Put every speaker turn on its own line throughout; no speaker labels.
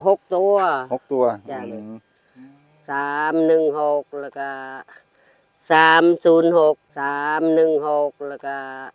6 ตัว
6 ตัว
จ้ะ316แล้วก็306316แล้วก็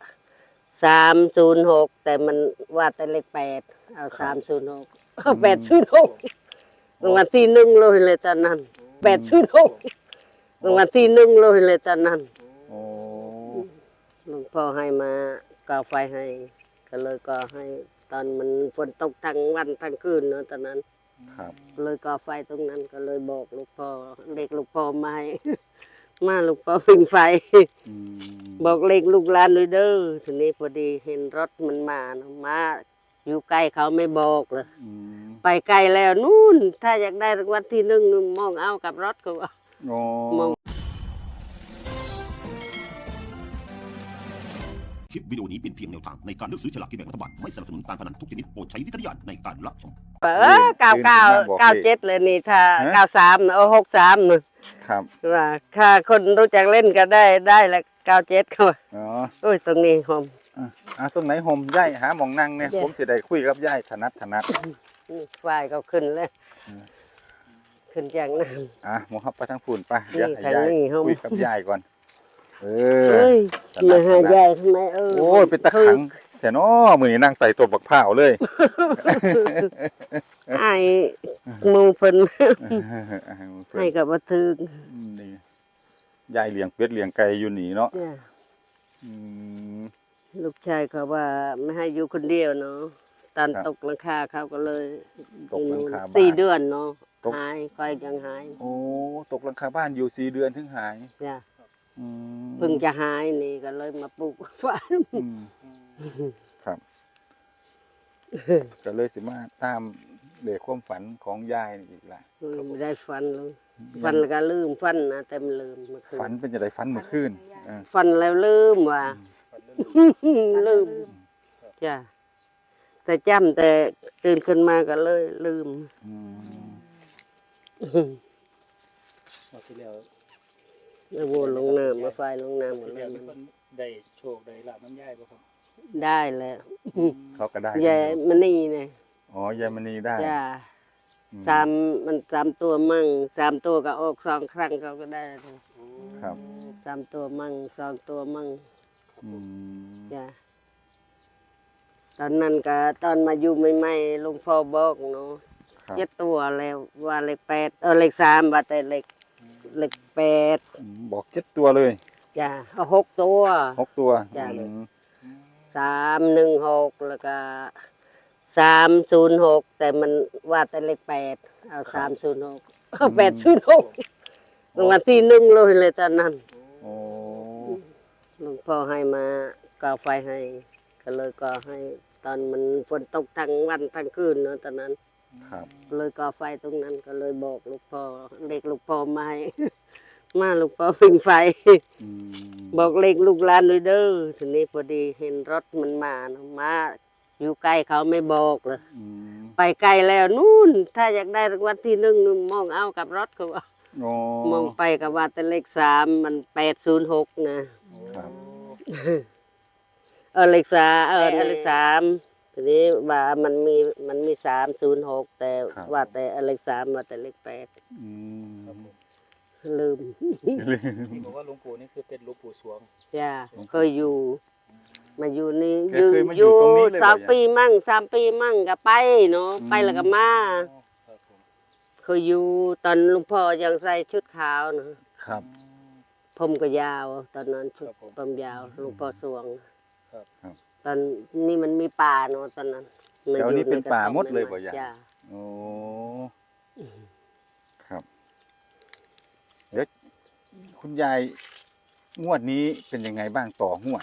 306แต่มันว่าแต่เลข8เอา306เอา806รางวัลที่1เลยตอนนั้น806รางวัลที่1เลยตอนนั้น
โอ้
หลวงพ่อให้มาก่อไฟให้ก็เลยก่อให้ตอนมันฝนตกทั้งวันทั้งคืนเนาะตอนนั้น
ครับ
เลยก่อไฟตรงนั้นก็เลยบอกลูกพ่อเด็กลูกพ่อมาให้ มาลูกพ่อพิงไฟบอกเลขลูกหลานด้วยเด้อทีนี้พอดีเห็นรถมันมาอยู่ใกล้เขาไม่บอกเลยไปไกลแล้วนู่นถ้าอยากได้รางวัลที่1มองเอากับรถเขามอง
คลิปวิดีโอนี้เป็นเพียงแนวทางในการเลือกซื้อฉลากกินแบ่งรัฐบาลไม่สนับสนุนการพนันทุกชนิดโปรดใช้วิจารณญาณในการรับชม
99 97เลยนี่ถ้า93เอา63นะครับว่าถ้าคนรู้จักเล่นก็ได้ละ97เขา
อ๋อ
โอ้ยตรงนี้หอม
ตรงไหนห่มย่ายหาหมองนั่งเนี่ยผมจะได้คุยกับย่ายถนัด
ฝ่ายก็ขึ้นเลยขึ้นจากนั้น
หมอครับไปทางฝุ่นไปเดี๋ยวให้ย่ายคุยกับย่ายก่อน
มาหายายทำไม
โอ้ยเป็นตะขังแต่น้อมือนี่นั่งไต่ตัวบักเผาเลย
ไอ้มูเพิ่นให้กับวัตถุ
นี่ยายเลี้ยงเป็ดเลี้ยงไก่อยู่หนีเนาะ
ลูกชายเขาว่าไม่ให้อยู่คนเดียวเนาะตอนตกหลังคาเขาก็เลย
ตกหลังคา
4 เดือนเนาะหายค่อยยังหาย
โอ้ตกหลังคาบ้านอยู่4 เดือนถึงหาย
จ้ะเพิ่งจะหายนี่ก็เลยมาปลูกฝัน
ครับก็เลยสิมาตามเด็กความฝันของยายอีกละ
ไม่ได้ฝันเลยฝันแล้วก็ลืมฝันนะแต่มันลืมเมื่อคืน
ฝันเป็นจะได้ฝันเมื่อคืน
ฝันแล้วลืมว่ะลืมจ้ะแต่จำแต่ตื่นขึ้นมาก็เลยลืม
ที่แล้ว
วนลงน้ำมาไฟลงน้ำหมดเลย
ได้โชคได้ลาบน้ำย่ายป่ะครับ
ได้แล้ว
เขาก็ได้
ยายมณีเนี่ย
อ๋อยายมณีได้
จ้ามัน3 ตัวมั่ง3 ตัวก็ออก2 ครั้งเขาก็ได้
ครับ
3 ตัวมั่ง2 ตัวมั่งจ้าตอนนั้นก็ตอนมาอยู่ใหม่ๆลุงพ่อบอกเนาะ7 ตัวแล้วว่าเลข8เลข3ว่าแต่เลข8
บอก7 ตัวเลย
จ้ะเอา6 ตัวจ้ะ316แล้วก็306แต่มันว่าแต่เลข8เอา306เอา806รางวัลที่1เลยตอนนั้นหลวงพ่อให้มาก่อไฟให้ก็เลยก่อให้ตอนมันฝนตกทั้งวันทั้งคืนเนาะตอนนั้นเลยก่อไฟตรงนั้นก็เลยบอกลูกพ่อเด็กลูกพ่อมาให้มาลูกพ่อพิงไฟบอกเลขลูกหลานด้วยเด้อทีนี้พอดีเห็นรถมันมาอยู่ใกล้เขาไม่บอกเลยไปไกลแล้วนู่นถ้าอยากได้รางวัลที่1มองเอากับรถเขามองไปกับว่าแต่เลข3มัน806นะเลข3ทีนี้ว่ามันมี306แต่ว่าแต่เลข3ว่าแต่เลข8ลืม
ที่บอกว่าหลวงปู่นี่คือเป็นหลวงปู่สวง
จ้าเคยอยู่มาอยู่นี่อยู่3 ปีมั่ง3 ปีมั่งก็ไปเนาะไปแล้วก็มาเคยอยู่ตอนหลวงพ่อยังใส่ชุดขาวนะครับผมก็ยาวตอนนั้นชุดผมยาวหลวงพ่อสวงตอนนี้มันมีป่าเนาะตอนนั้น
เดี๋ยวนี้เป็นป่าหมดเลยบ่ยายโอ้ครับเดี๋ยวคุณยายงวดนี้เป็นยังไงบ้างต่องวด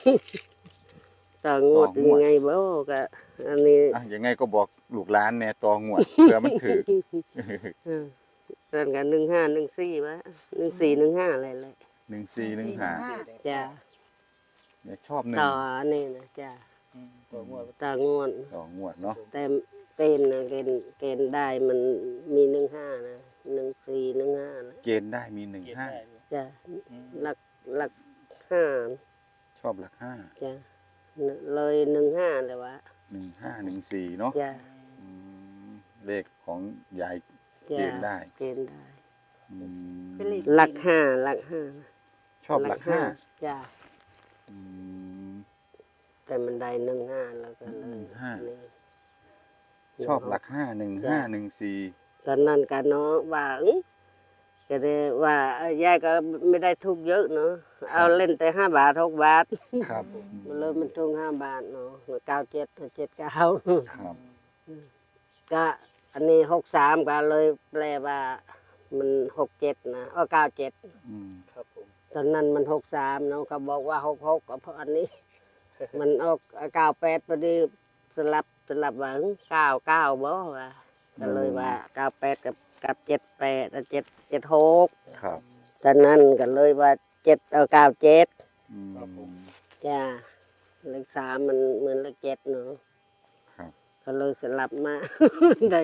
ยังไงบ่ก็อันนี้
ยังไงก็บอกลูกหลานแน่ต่องวดเพื่อมันถือ
เรื่องกัน15 14วะ14 15อะไรเลย
14 15
จ้า
เนี่ยชอบ1
ต่อนี่นะจ้าต่องวด
เนาะ
แต่เกณฑ์นะเกณฑ์ได้มันมี15นะ14 15นะ
เกณฑ์ได้มี15
จ้ะหลัก5
ชอบหลัก5
จ้ะเลย15เลยวะ
15 14เนาะ
จ้ะ
เลขของยายเก
จ้ะ
ณฑ์ได้
เกณฑ์ได้
อืม
เป็นเลข
หลักห้าหลักห้า
ชอบหลักห้า
จ้ะ
อืม
แต่มันได้15แล้วก็เลย
15
นี่
ชอบหลักห้า1514
ตอนนั้นกันเนาะว่าก็ได้ว่าเอ้ยยายก็ไม่ได้ทุกเยอะเนาะเอาเล่นแต่5 บาท6 บาท
ครับ
มันเลยมันทุก5 บาทเนาะ97 79
ครับ
ก็อันนี้63ก็เลยแปลว่ามัน67นะ97
อืม
ครับผม
ตอนนั้นมัน63เนาะเขาบอกว่า66ก็เพราะอันนี้ มันออก98พอดีสลับว่า99บ่ว่าก็เลยว่า98กับ78 776
ครับ
ตอนนั้นก็เลยว่า97
อืม
จ้าเลข3มันเหมือนเลข7เนาะ
ครับ
ก็เลยสลับมา ได้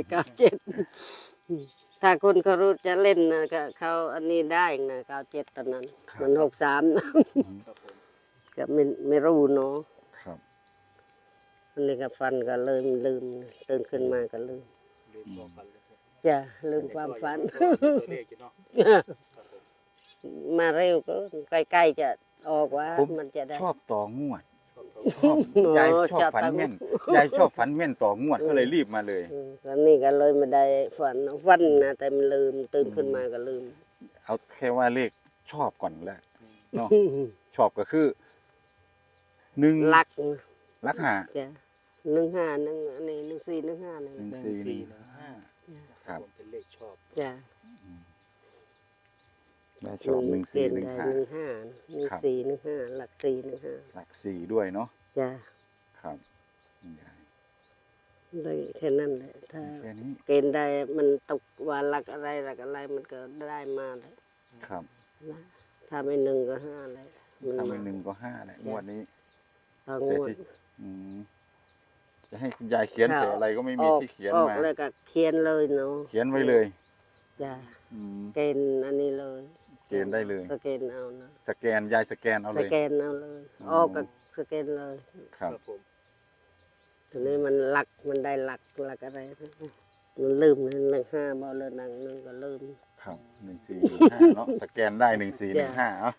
97ถ้าคนเขารู้จะเล่นนะก็เขาอันนี้ได้นะ97ตอนนั้นมัน63นะ
ครับผม
ก็ไม่รู้เนาะ
ครับ
อันนี้ก็ฟันก็เลยลืมตื่นขึ้นมาก็ลืม
ลืมความฝันเลยครับ
จ้ะลืมความฝัน
ตัวเลขอยู่เนาะครับผม
มาเร็วก็ใกล้ๆจะออกว่า
ผม
มันจะได้
ชอบต่องวด
ชอบตัว
ชอบยายชอบฝัน
ต่อ
แม่นยายชอบฝันแม่นต่องวดก็เลยรีบมาเลย
แล้วนี่ก็เลยไม่ได้ฝันนะแต่มันลืมตื่นขึ้นมาก็ลืม
เอาแค่ว่าเลขชอบก่อนแหละเนาะชอบก็คือ1
ลัก
ลักหา
จ้ะ15อันนี้1415นี่
1415 ครับ
ผมเป็นเลขชอบ
จ้ะ
ได้ชอบ
เกณฑ์ได้15
ครับ
1415หลัก415
หลัก4ด้วยเนาะ
จ้ะ
ครับคุณยาย
ได้แค่นั้นแหละถ้า
แค่นี้
เกณฑ์ได้มันตกว่าหลักอะไรมันก็ได้มาเลย
ครับ
นะถ้าไม่1ก็5เลยมัน
ถ้า
มา
ไม่1ก็5แหละงวดนี้
ต่อง
แต่
วด
ที่จะให้คุณยายเขียนเสียอะไรก็ไม่มีที่เขียน
ออก
มา
แล้วก็เขียนเลยเนาะ
เขียนไว้เลย
จ้ะ
อืม
เกณฑ์อันนี้เลย
เกณฑ์ได้เลย
สแกนเอานะ
สแกนยายสแกนเอา
ส
เลย
แกนเอาเลย
อ๋อ
ออกก็สแกนเลย
ครับ
ผม
ทีนี้มันหลักมันได้หลักอะไรมันลืมเลยหลัก5บ่เลยหนังนึงก็ลืม
ครับ1415เนาะสแกนได้1415เนาะ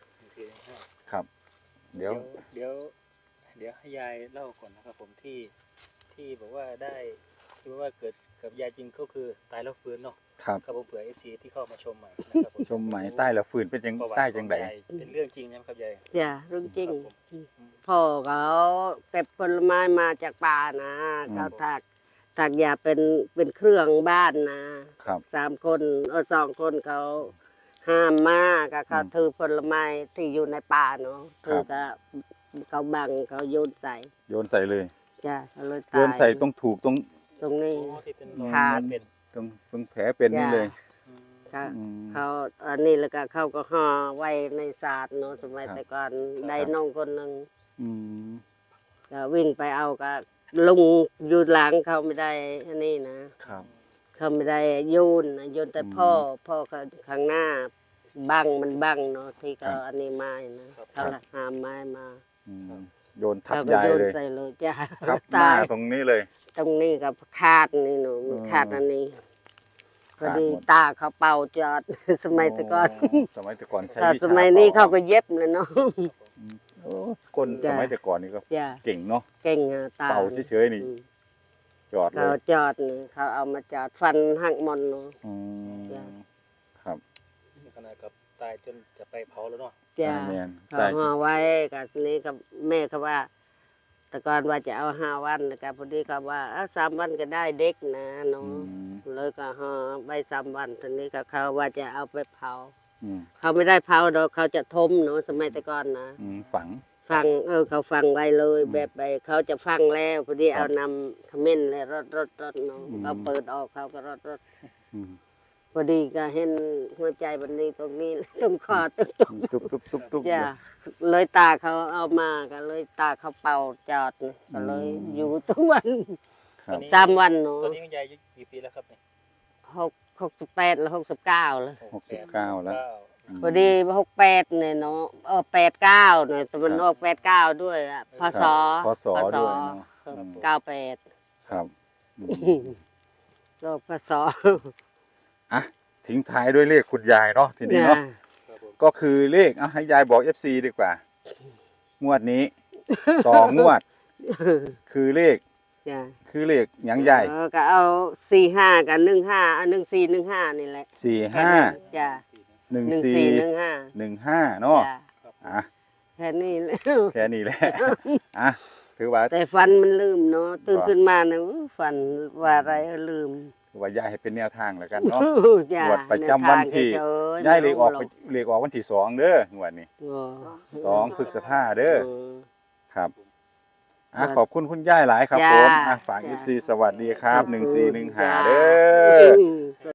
415
ครับ เดี๋ยว
เดี๋ยวให้ยายเล่าก่อนนะครับผมที่บอกว่าได้ที่ว่าเกิดกับยายจริงก็คือตายแล้วฟื้นเนาะ
ครับ
ครับผมเผื่อ FC ที่เข้ามาชมใหม่นะครับผม
ชมใหม่ใต้ละฝืนเป็นจัง
ประวัติ
ใต้จังได
ของยายเป็นเรื่องจริงนะครับยาย
จ้ะเรื่องจริง
ครับผม
พ่อเขาเก็บผลไม้มาจากป่านะเขาถักยาเป็นเครื่องบ้านนะครับ 3 คน2 คนเขาห้ามมาก็เขาถือผลไม้ที่อยู่ในป่าเนาะถือก็เขาบังเขาโยนใส่
โยนใส่เลย
จ้ะเขาเลย
โย
ตาย
นใส่ตรงถูกตรง
ตรงนี้
อ๋อที่เป็นรอย
ขาด
เป็น
ตรงแผลเป็นนี่เลย
อืม
เขา
อืม
เขาอันนี้แล้วก็เขาก็ห่อไว้ในศาสตร์เนาะสมัย
ครับ
แต่ก่อนได้น้องคนหนึ่ง
อืม
ก็วิ่งไปเอาก็ลุงอยู่หลังเขาไม่ได้อันนี้นะ
ครับ
เขาไม่ได้โยนนะโยนแต่
อืม
พ่อเขาข้างหน้าบังมันบังเนาะที่เขาอันนี้ไม้นะเขาหามไม้มา
อืมโยนทับ
เขาก็
ยาย
โยน
เลย
ใส่เลยจ้ะ
ทับห
ตา
น้าย ตรงนี้เลย
ตรงนี้กับคาดนี่หนูมันคาดอันนี้พอดี
ขาดหมด
ตาเขาเป่าจอด สมัยแต่ก่อน
สมัยแต่ก่อนใช้
ถ้า
วิ
ส
ชา
มัยนี้
ป่
เขาก็เย็บเลยเนาะ
โอ้คน
จ้ะ
สมัยแต่ก่อนนี่ก็
จ้ะ
เก่งเนาะ
เก่งอะตา
เป่าเฉยๆนี่
อืม
จอดเล
เขา
ย
จอดนี่เขาเอามาจอดฟันหักหมอนเนาะ
อืม
จ้ะ
ครับ
นี่ขนาดกับตายจนจะไปเผาแล้วเนาะ
จ้ะ
แมน
เขา
ใช่
ห่อไว้กับนี้กับแม่เขาว่า แต่ก่อนว่าจะเอา5 วันแล้วก็พอดีเขาว่า3 วันก็ได้เด็กนะเนาะ
อืม
เลยก็ห่อไว้3 วันทีนี้ก็เขาว่าจะเอาไปเผา
อืม
เขาไม่ได้เผาดอกเขาจะทมเนาะสมัยแต่ก่อนนะ
ฝัง
ฟังเขาฟังไว้เลยแบบไปเขาจะฟังแล้วพอดีเอานำขมิ้นเลยรดเนาะ
อืม
เขาเปิดออกเขาก็รด
อืม
พอดีก็เห็นหัวใจบันนี้ตรงนี้ ตรงคอตรง
ตุ๊บ
จ้ะเลยตาเขาเอามาก็เลยตาเขาเป่าจอดนี่ก็เลยอยู่ทุกวัน
ครับ
3 วันเนาะ
ตอนนี้คุณยายอายุกี่ปีแล้วครับเนี่ย
68แล้ว69แล้ว
69แล้ว
พอดี68เนี่ยเนาะ89เนี่ยแต่มันออก89ด้วยอะพศ
พศด้วยเนาะ
98
ครับอืม
โรคพศ
อ่ะทิ้งท้ายด้วยเลขคุณยายเนาะทีนี้เนาะ
ครับผม
ก็คือเลขเอาให้ยายบอก FC ดีกว่า งวดนี้ ต่องวด คือเลข
จ้ะ
คือเลขหยังใหญ่
ก็เอา45กับ15เอา1415นี่แหละ
45
จ้ะ
14
1415
15เนาะ
จ้ะ
อ่ะ
แค่นี้แหละ
แค่นี้แหละ อ่ะถือว่า
แต่ฟันมันลืมเนาะตื่น
บ่
ขึ้นมานะฟันว่าอะไรลืม
ถือว่ายายให้เป็นแนวทางแล้วกันเนาะ
จ้ะ
งวดประจำวันที่
แนวทาง
ยายเลขออก
หร
เลขออกวันที่2เด้องวดนี้
อ๋อ
2พฤษภาเด้อ
เออ
ครับ
ครับ
ขอบคุณคุณย่ายหลายครับ
จ้า
ผมฝาก
จ้า
FC สวัสดีครับ
จ้า
1415เด้อ
จ้า